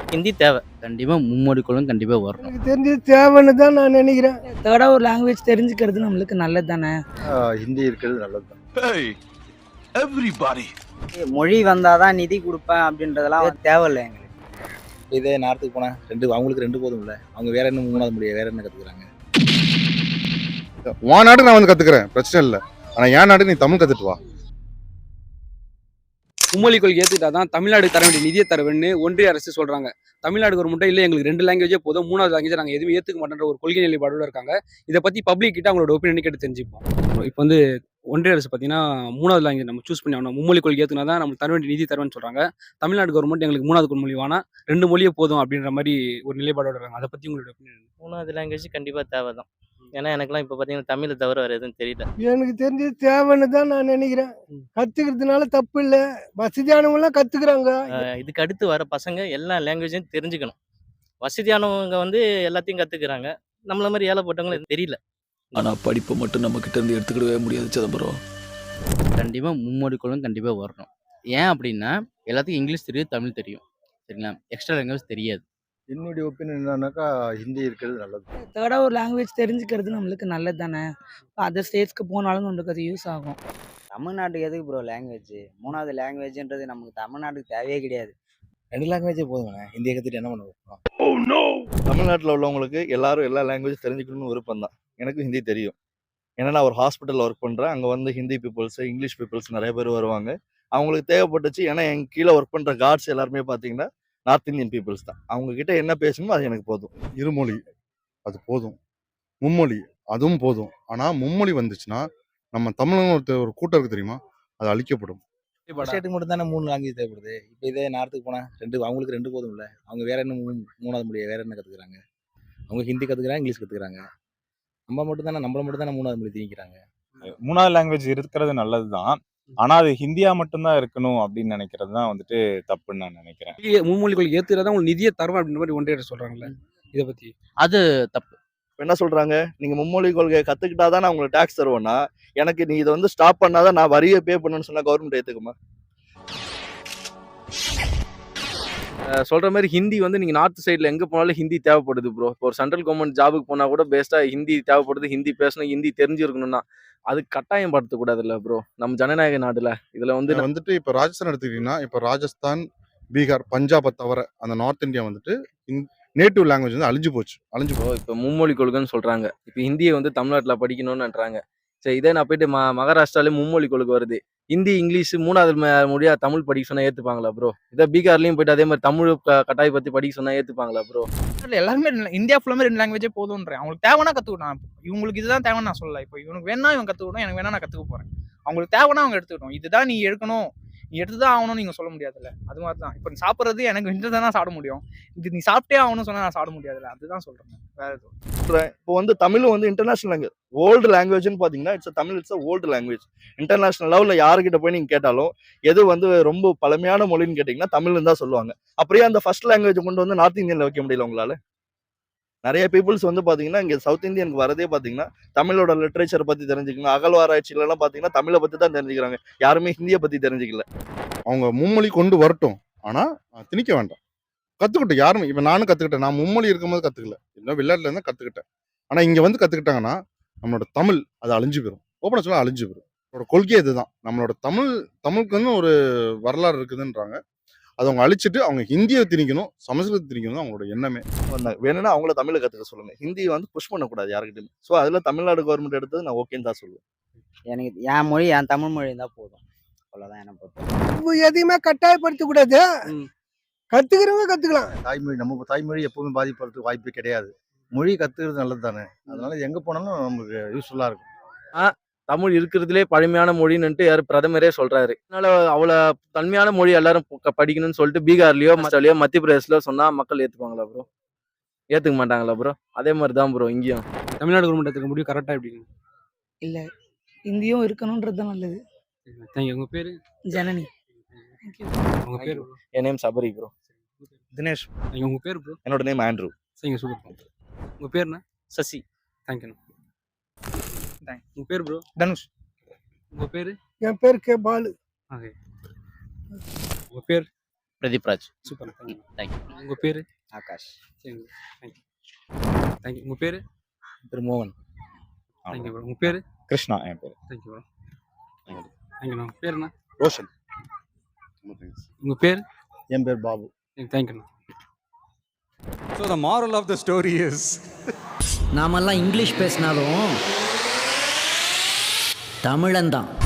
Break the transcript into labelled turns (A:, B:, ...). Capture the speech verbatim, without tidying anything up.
A: ஹிந்தி தேவை. கண்டிப்பா மும்மொழி கொள்கை கண்டிப்பா வரணும்.
B: எனக்கு தெரிஞ்சது தேவைன்னு தான் நான் நினைக்கிறேன்.
C: தேர்டா ஒரு லாங்குவேஜ் தெரிஞ்சுக்கிறது நம்மளுக்கு நல்லது தானே.
D: ஹிந்தி இருக்கிறது நல்லது தான்.
E: மொழி வந்தாதான் நிதி கொடுப்பேன் அப்படின்றதெல்லாம் தேவையில்லை எங்களுக்கு.
F: இதே நேரத்துக்கு போனேன் ரெண்டு அவங்களுக்கு ரெண்டு போதும் இல்லை, அவங்க வேற என்ன மூணாவது முடியாது வேற என்ன கற்றுக்குறாங்க.
D: உன் நாட்டுக்கு நான் வந்து கத்துக்கிறேன், பிரச்சனை இல்லை. ஆனா என் நாட்டுக்கு நீ தமிழ் கத்துட்டு வா.
G: மும்மொழி கொள்கை ஏற்றுக்கிட்டா தான் தமிழ்நாடு தர வேண்டிய நிதியை தர வேணும்னு ஒன்றிய அரசு சொல்றாங்க. தமிழ்நாடு கவர்மெண்ட்டே இல்லை எங்களுக்கு ரெண்டு லாங்குவேஜே போதும், மூணாவது லாங்குவேஜ் நாங்கள் எதுவும் ஏற்றுக்க மாட்டேன்ற ஒரு கொள்கை நிலைப்பாடோட இருக்காங்க. இதை பற்றி பப்ளிக் கிட்ட அவங்களோட ஒப்பீனியன் கேட்டு தெரிஞ்சுப்போம். இப்போ வந்து ஒன்றிய அரசு பார்த்தீங்கன்னா மூணாவது லாங்குவேஜ் நம்ம சூஸ் பண்ணி ஆகணும், மும்மொழி கொள்கை ஏற்றுனா தான் நம்ம தர வேண்டிய நிதி தருவேன்னு சொல்றாங்க. தமிழ்நாடு கவர்மெண்ட் எங்களுக்கு மூணாவது மொழி வேணா ரெண்டு மொழியே போதும் அப்படின்ற மாதிரி ஒரு நிலைப்பாடோட இருக்காங்க. அதை பற்றி உங்களோட ஒப்பீனியன்?
A: மூணாவது லாங்குவேஜ் கண்டிப்பா தேவை தான். ஏன்னா எனக்குலாம் இப்போ பார்த்தீங்கன்னா தமிழை தவிர வேறு எதுவும் தெரியல.
B: எனக்கு தெரிஞ்சது தேவைன்னு தான் நான் நினைக்கிறேன். கத்துக்கிறதுனால தப்பு இல்லை, வசதியானவங்களாம் கத்துக்கிறாங்க.
A: அஹ் இதுக்கு அடுத்து வர பசங்க எல்லா லாங்குவேஜையும் தெரிஞ்சுக்கணும். வசதியானவங்க வந்து எல்லாத்தையும் கத்துக்கிறாங்க, நம்மள மாதிரி ஏழைப்பட்டவங்களுக்கு தெரியல.
H: ஆனா படிப்பை மட்டும் நம்ம கிட்ட இருந்து எடுத்துக்கிடவே முடியாது சிதம்பரம்.
I: கண்டிப்பாக மும்மொழி கொள்கை கண்டிப்பாக வரணும். ஏன் அப்படின்னா எல்லாத்துக்கும் இங்கிலீஷ் தெரியும், தமிழ் தெரியும், சரிங்களா? எக்ஸ்ட்ரா லாங்குவேஜ் தெரியாது.
D: என்னுடைய ஒப்பீனியன் என்னன்னாக்கா ஹிந்தி இருக்கிறது நல்லது.
C: தேர்டா ஒரு லாங்குவேஜ் தெரிஞ்சுக்கிறது நம்மளுக்கு நல்லது தானே. அதர் ஸ்டேட்ஸ்க்கு போனாலும் நம்மளுக்கு அது யூஸ் ஆகும்.
E: தமிழ்நாட்டுக்கு எதுக்கு ப்ரோ லாங்குவேஜ்? மூணாவது லாங்குவேஜ்ன்றது நமக்கு தமிழ்நாட்டுக்கு தேவையே கிடையாது.
F: ரெண்டு லாங்குவேஜே போதுங்கண்ணே, ஹிந்தியை கற்றுட்டு என்ன பண்ணுவோம்?
D: தமிழ்நாட்டில் உள்ளவங்களுக்கு எல்லாரும் எல்லா லாங்குவேஜ் தெரிஞ்சுக்கணும்னு விருப்பம் தான். எனக்கும் ஹிந்தி தெரியும். ஏன்னா நான் ஒரு ஹாஸ்பிட்டலில் ஒர்க் பண்ணுறேன். அங்கே வந்து ஹிந்தி பீப்புள்ஸ், இங்கிலீஷ் பீப்புள்ஸ் நிறைய பேர் வருவாங்க. அவங்களுக்கு தேவைப்பட்டுச்சு. ஏன்னா என் கீழே ஒர்க் பண்ணுற கார்ட்ஸ் எல்லாருமே பார்த்தீங்கன்னா நார்த் இந்தியன் பீப்புள்ஸ் தான். அவங்க கிட்ட என்ன பேசணுமோ அது எனக்கு போதும். இருமொழி அது போதும், மும்மொழி அதுவும் போதும். ஆனால் மும்மொழி வந்துச்சுன்னா நம்ம தமிழ் ஒருத்தர் ஒரு கூட்டம் இருக்கு தெரியுமா, அது அழிக்கப்படும்.
F: ஸ்டேட்டுக்கு மட்டும் தானே மூணு லாங்குவேஜ் தேவைப்படுது. இப்போ இதே நேரத்துக்கு போனேன் ரெண்டு அவங்களுக்கு ரெண்டு போதும் இல்லை, அவங்க வேற என்ன மூணு மூணாவது முடியாது வேற என்ன கற்றுக்குறாங்க. அவங்க ஹிந்தி கற்றுக்குறாங்க, இங்கிலீஷ் கற்றுக்குறாங்க. நம்ம மட்டும் தானே நம்மள மட்டும் தானே மூணாவது மொழி திணிக்கிறாங்க.
J: மூணாவது லாங்குவேஜ் இருக்கிறது நல்லது தான், ஆனா அது ஹிந்தியா மட்டும்தான் இருக்கணும் அப்படின்னு நினைக்கிறது தான் வந்துட்டு தப்புன்னு நான் நினைக்கிறேன்.
G: மும்மொழி கொள்கை ஏற்றுறதா உங்களுக்கு நிதியை தருவேன் அப்படின்ற மாதிரி ஒன்றிய அரசு சொல்றாங்கல்ல, இதை பற்றி?
I: அது தப்பு.
D: இப்போ என்ன சொல்றாங்க, நீங்க மும்மொழி கொள்கையை கத்துக்கிட்டாதான் நான் உங்களுக்கு டாக்ஸ் தருவேன்னா, எனக்கு நீ இதை வந்து ஸ்டாப் பண்ணாதான் நான் வரியை பே பண்ணணும்னு சொன்னா கவர்மெண்ட் ஏத்துக்குமா?
K: சொல்ற மாதிரி ஹிந்தி வந்து நீங்க நார்த் சைட்ல எங்க போனாலும் ஹிந்தி தேவைப்படுது ப்ரோ. இப்போ ஒரு சென்ட்ரல் கவர்மெண்ட் ஜாபுக்கு போனா கூட பெஸ்டா ஹிந்தி தேவைப்படுது, ஹிந்தி பேசணும், ஹிந்தி தெரிஞ்சிருக்கணும்னா அது கட்டாயம் படுத்தக்கூடாது இல்லை ப்ரோ. நம்ம ஜனநாயக நாடுல இதுல வந்து
D: இதுல வந்துட்டு இப்போ ராஜஸ்தான் எடுத்துக்கிட்டீங்கன்னா, இப்போ ராஜஸ்தான், பீகார், பஞ்சாபை தவிர அந்த நார்த் இந்தியா வந்துட்டு நேட்டிவ் லாங்குவேஜ் வந்து அழிஞ்சு போச்சு அழிஞ்சு போ
K: இப்போ இப்போ மும்மொழி கொள்கைன்னு சொல்றாங்க. இப்போ ஹிந்தியை வந்து தமிழ்நாட்டுல படிக்கணும்னுன்றாங்க. சரி, இதே நான் போயிட்டு ம மகாராஷ்டிராலே மும்மொழி கொள்கை வருது, ஹிந்தி இங்கிலீஷ் மூணாவது ம- மொழியா தமிழ் படிக்க சொன்னா ஏத்துப்பாங்களா ப்ரோ? இதே பீகார்லயும் போயிட்டு அதே மாதிரி தமிழ் க- கட்டாய பத்தி படிக்க சொன்னா ஏத்துப்பாங்களா ப்ரோ?
L: எல்லாருமே ரெண்டு- இந்தியா ஃபுல்லாமே ரெண்டு லாங்குவேஜே போதும்ன்றேன். அவங்களுக்கு தேவைன்னா கற்றுக்கணும். இவங்களுக்கு இதுதான் தேவைன்னு நான் சொல்லல. இப்போ இவனுக்கு வேணா இவன் கற்றுக்கணும், எனக்கு வேணா நான் கற்றுக்க போகிறேன். அவங்களுக்கு தேவைன்னா அவங்க எடுத்துக்கணும். இதுதான் நீ எடுக்கணும், நீ எடுத்து தான் ஆகணும்னு நீங்கள் சொல்ல முடியாதுல்ல. அது மாதிரி தான் இப்போ நீ சாப்பிட்றது எனக்கு இந்த தான் சாப்பிட முடியும், இது நீ சாப்பிட்டே ஆகணும்னு சொன்னால் நான் சாப்பிட முடியாதுல்ல. அதுதான் சொல்கிறேன், வேற எதுவும்.
D: இப்போ வந்து தமிழ் வந்து இன்டர்நேஷனல் லாங்குவேஜ், ஓல்டு லாங்குவேஜ்னு பார்த்தீங்கன்னா it's Tamil it's old language. International லெவலில் யாருக்கிட்ட போய் நீங்கள் கேட்டாலும் எது வந்து ரொம்ப பழமையான மொழின்னு கேட்டிங்கன்னா தமிழ்னு தான் சொல்லுவாங்க. அப்படியே அந்த ஃபர்ஸ்ட் லாங்குவேஜ் கொண்டு வந்து நார்த் இந்தியனில் வைக்க முடியல உங்களால்? நிறைய பீப்புள்ஸ் வந்து பார்த்தீங்கன்னா இங்கே சவுத் இந்தியனுக்கு வரதே பார்த்தீங்கன்னா தமிழோட லிட்ரேச்சரை பற்றி தெரிஞ்சுக்கணும். அகழ்வாராய்ச்சியிலலாம் பார்த்தீங்கன்னா தமிழை பற்றி தான் தெரிஞ்சுக்கிறாங்க, யாருமே ஹிந்தியை பற்றி தெரிஞ்சுக்கல. அவங்க மும்மொழி கொண்டு வரட்டும், ஆனால் திணிக்க வேண்டாம். கற்றுக்கிட்டோம் யாருமே. இப்போ நானும் கற்றுக்கிட்டேன், நான் மும்மொழி இருக்கும்போது கற்றுக்கல, இன்னும் விளையாட்டுல இருந்தால் கற்றுக்கிட்டேன். ஆனால் இங்கே வந்து கற்றுக்கிட்டாங்கன்னா நம்மளோட தமிழ் அது அழிஞ்சு போயிடும். ஓப்பனாக சொல்ல அழிஞ்சு போயிடும். அவரோட கொள்கை இதுதான். நம்மளோட தமிழ் தமிழுக்குன்னு ஒரு வரலாறு இருக்குதுன்றாங்க, அதை அவங்க அழிச்சிட்டு அவங்க ஹிந்தியை திணிக்கணும், சமஸ்கிருதத்தை திணிக்கணும் தான் அவங்களோட எண்ணமே. வந்தாங்க வேணும்னா அவங்கள தமிழை கற்றுக்க சொல்லுங்க, ஹிந்தியை வந்து புஷ் பண்ணக்கூடாது யாருக்கிட்டையுமே. ஸோ அதில் தமிழ்நாடு கவர்மெண்ட் எடுத்தது நான் ஓகேன்னு தான் சொல்லுவேன்.
E: எனக்கு என் மொழி என் தமிழ் மொழி இருந்தால் போதும், அவ்வளோதான் எனக்கு பொறுத்த.
B: இப்போ எதையுமே கட்டாயப்படுத்தக்கூடாது, கத்துக்கிறவங்க கத்துக்கலாம்.
D: தாய்மொழி நம்ம தாய்மொழி எப்பவுமே பாதிப்படுறதுக்கு வாய்ப்பு கிடையாது. மொழி கற்றுக்கிறது நல்லது தானே, அதனால எங்கே போனாலும் நமக்கு யூஸ்ஃபுல்லாக இருக்கும்.
K: தமிழ் இருக்கிறதுலே பழமையான மொழின்னுட்டு யார் பிரதமரே சொல்றாரு. அதனால அவ்வளோ தன்மையான மொழி எல்லாரும் ப- படிக்கணும்னு சொல்லிட்டு பீகார்லயோ மஸ்டாலியோ மத்திய பிரதேஷ்லயோ சொன்னா மக்கள் ஏத்துப்பாங்களா ப்ரோ? ஏத்துக்க மாட்டாங்களா ப்ரோ? அதே மாதிரி தான் ப்ரோ இங்கேயும்.
G: தமிழ்நாடு கவர்மெண்ட் எடுத்துக்க முடியும் கரெக்டாக எப்படிங்க?
C: இல்லை, இந்தியும் இருக்கணுன்றது தான் நல்லது.
G: தேங்க்யூ. உங்கள் பேர்?
C: ஜனனி.
G: உங்கள் பேர்?
K: என் நேம் சபரி ப்ரோ.
F: தினேஷ்.
G: உங்கள் பேர் ப்ரோ?
F: என்னோட நேம் ஆண்ட்ரூ.
G: சரிங்க, சூப்பர். உங்கள் பேர்ண்ணா?
A: சசி.
G: தேங்க்யூண்ணா. உங்கள் பேர் ப்ரோ?
L: தனுஷ்.
G: உங்கள் பேர்?
B: என் பேர் கே பாலு.
G: ஓகே. உங்கள் பேர்?
A: Pradeep Raj.
G: Super, thank you.
A: Thank you.
G: உங்க பேரு?
E: ஆகாஷ்.
G: சரிங்க, தேங்க்யூ. தேங்க்யூ. உங்க பேரு?
F: திரு மோகன்.
G: Thank you bro. உங்க பேரு?
J: கிருஷ்ணா என் பேர்.
G: Thank you bro. Thank you bro. பேர் என்ன?
F: ரோஷன்.
G: உங்க பேர்?
F: என் பேர் Babu.
G: Thank you.
M: So the moral of the story is
N: நாமெல்லாம் இங்கிலீஷ் பேசினாலும் தமிழன் தான்.